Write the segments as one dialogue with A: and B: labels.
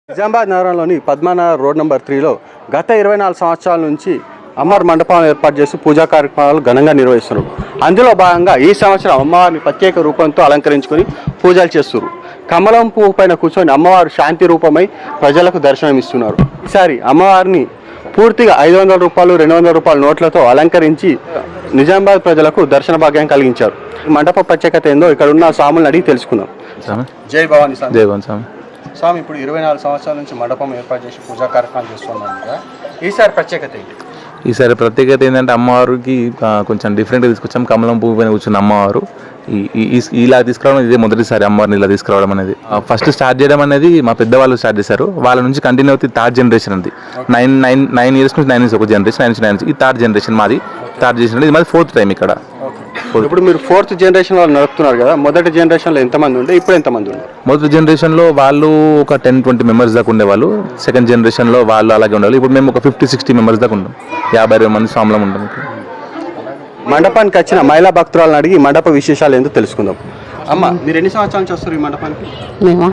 A: నిజామాబాద్ నగరంలోని Padmanabha road number 3లో గత 24 సంవత్సరాల నుంచి అమ్మవారి మండపం ఏర్పాటు చేసి పూజా కార్యక్రమాలు ఘనంగా నిర్వహిస్తున్నారు. అందులో భాగంగా ఈ సంవత్సరం అమ్మవారిని ప్రత్యేక రూపంతో అలంకరించుకొని పూజలు చేస్తున్నారు. కమలం పువ్వు పైన కూర్చొని అమ్మవారు శాంతి రూపమై ప్రజలకు దర్శనమిస్తున్నారు. ఈసారి అమ్మవారిని పూర్తిగా 500 రూపాయలు 200 రూపాయల నోట్లతో అలంకరించి నిజామాబాద్ ప్రజలకు దర్శన భాగ్యం కలిగించారు. మండప ప్రత్యేకత ఏందో ఇక్కడ ఉన్న స్వాములను అడిగి తెలుసుకుందాం. జై భవానీ స్వామి.
B: జై భవానీ స్వామి.
A: స్వామి, ఇప్పుడు 24 సంవత్సరాల నుంచి మండపం ఏర్పాటు చేసి పూజా కార్యక్రమాలు చేస్తున్నాం కదా, ఈసారి ప్రత్యేకత ఏంటి?
B: ఈసారి ప్రత్యేకత ఏంటంటే అమ్మవారికి కొంచెం డిఫరెంట్గా తీసుకొచ్చాం. కమలం పువ్వు పైన కూర్చున్న అమ్మవారు ఇలా తీసుకురావడం ఇదే మొదటిసారి అమ్మవారిని ఇలా తీసుకురావడం అనేది. ఫస్ట్ స్టార్ట్ చేయడం అనేది మా పెద్దవాళ్ళు స్టార్ట్ చేశారు. వాళ్ళ నుంచి కంటిన్యూ అవుతుంది థర్డ్ జనరేషన్ అది. 9 ఇయర్స్ నుంచి 9 ఇయర్స్ ఒక జనరేషన్, 9 నుంచి 9 ఈ థర్డ్ జనరేషన్ మాది. థర్డ్ జనరేషన్ ఇది మాది 4th టైం ఇక్కడ.
A: ఇప్పుడు మీరు 4th జనరేషన్ వాళ్ళు నడుపుతున్నారు కదా, మొదటి జనరేషన్లో ఎంతమంది ఉండే, ఇప్పుడు ఎంతమంది ఉన్నారు?
B: మొదటి జనరేషన్లో వాళ్ళు ఒక 10-20 మెంబర్స్ దాకా ఉండేవాళ్ళు. సెకండ్ జనరేషన్లో వాళ్ళు అలాగే ఉండేవాళ్ళు. ఇప్పుడు మేము ఒక 50-60 మెంబర్స్ దాకా ఉంటాం. 50-60 మంది స్వాములం ఉంటాం.
A: మండపానికి వచ్చిన మహిళా భక్తురాలను అడిగి మండప విశేషాలు ఏందో తెలుసుకుందాం. అమ్మ, మీరు ఎన్ని సంవత్సరాల నుంచి వస్తారు ఈ మండపానికి?
C: మేము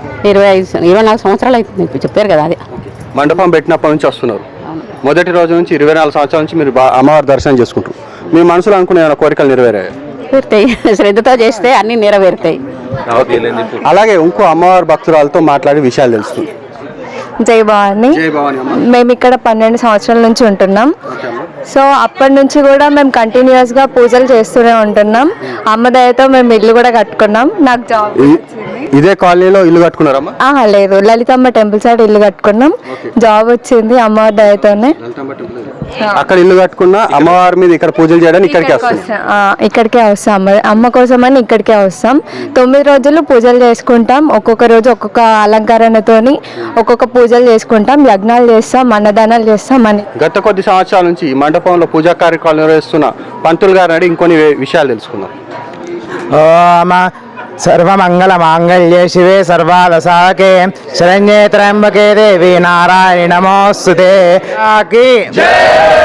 C: 24 సంవత్సరాలు అవుతుంది చెప్పారు కదా. అది
A: మండపం పెట్టినప్పటి నుంచి వస్తున్నారు. మొదటి రోజు నుంచి 24 సంవత్సరాల నుంచి మీరు అమ్మవారి దర్శనం చేసుకుంటారు. మీ మనసులో అనుకునే ఏమైనా కోరికలు నెరవేరాయి?
C: నెరవేరుతాయి, శ్రద్ధతో చేస్తే అన్ని నెరవేరుతాయి.
A: అలాగే ఇంకో అమ్మవారి భక్తురాలతో మాట్లాడి విషయాలు తెలుస్తుంది.
D: జై భవాని. మేము ఇక్కడ 12 సంవత్సరాల నుంచి ఉంటున్నాం. సో అప్పటి నుంచి కూడా మేము కంటిన్యూస్గా పూజలు చేస్తూనే ఉంటున్నాం. అమ్మ దయతో మేము ఇల్లు కూడా కట్టుకున్నాం. నాకు జాబ్
A: ఇదే కాలనీలో ఇల్లు కట్టుకున్నారమ్మా?
D: లేదు, లలితమ్మ టెంపుల్ సైడ్ ఇల్లు కట్టుకున్నాం. జాబ్ వచ్చింది అమ్మవారి దయతోనే.
A: అక్కడ ఇల్లు కట్టుకున్నా అమ్మవారి మీద ఇక్కడ పూజలు చేయడానికి
D: ఇక్కడికే వస్తాం. అమ్మ కోసమని ఇక్కడికే వస్తాం. 9 రోజులు పూజలు చేసుకుంటాం. ఒక్కొక్క రోజు ఒక్కొక్క అలంకరణతోని ఒక్కొక్క పూజలు చేసుకుంటాం. యజ్ఞాలు చేస్తాం, అన్నదానాలు చేస్తాం. అని
A: గత కొద్ది సంవత్సరాల నుంచి ఈ మండపంలో పూజా కార్యక్రమాలు నిర్వహిస్తున్న పంతులు గారిని అడిగి ఇంకొన్ని విషయాలు తెలుసుకుందాం.
E: సర్వమంగళ మాంగళ్యే శివే సర్వాదసాకే శరణ్యే త్రయంబకే దేవి నారాయణి నమోస్తుతే.